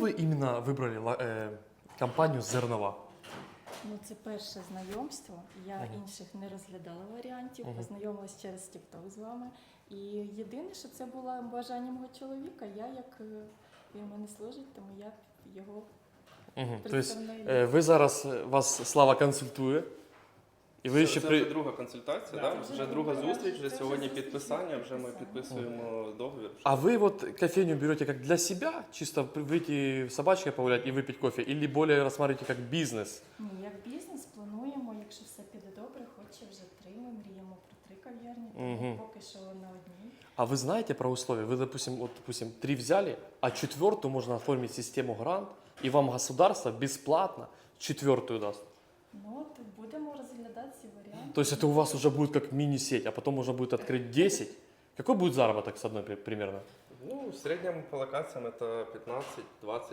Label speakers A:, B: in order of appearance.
A: ви іменно вибрали компанію Зернова?
B: Ну, це перше знайомство. Я інших не розглядала варіантів, познайомилась через TikTok з вами. І єдине, що це було бажанням мого чоловіка. Я, як він в мене служить, тому я його представляю.
A: Ви зараз, вас Слава консультує, і ви ще
C: Це вже друга консультація,
A: Да.
C: да? Вже друга зустріч, вже
B: Це
C: сьогодні
B: вже
C: підписання, вже ми
B: підписання.
C: підписуємо договір.
A: А вы вот кофейню берете как для себя, чисто выйти с собачкой погулять и выпить кофе, или более рассматриваете как бизнес?
B: Ні, як бізнес плануємо, якщо все піде добре, хоч вже 3, ми мріємо про 3 кав'ярні, тому поки що на одній.
A: А вы знаете про условия? Вы, допустим, 3 взяли, а 4-ю можно оформить систему грант, и вам государство бесплатно 4-ю даст.
B: Ну, от будемо розглядати ці варіанти.
A: То есть это у вас уже будет как мини-сеть, а потом можно будет открыть 10. Какой будет заработок с одной примерно?
C: Ну, в середньому по локаціям це 15-20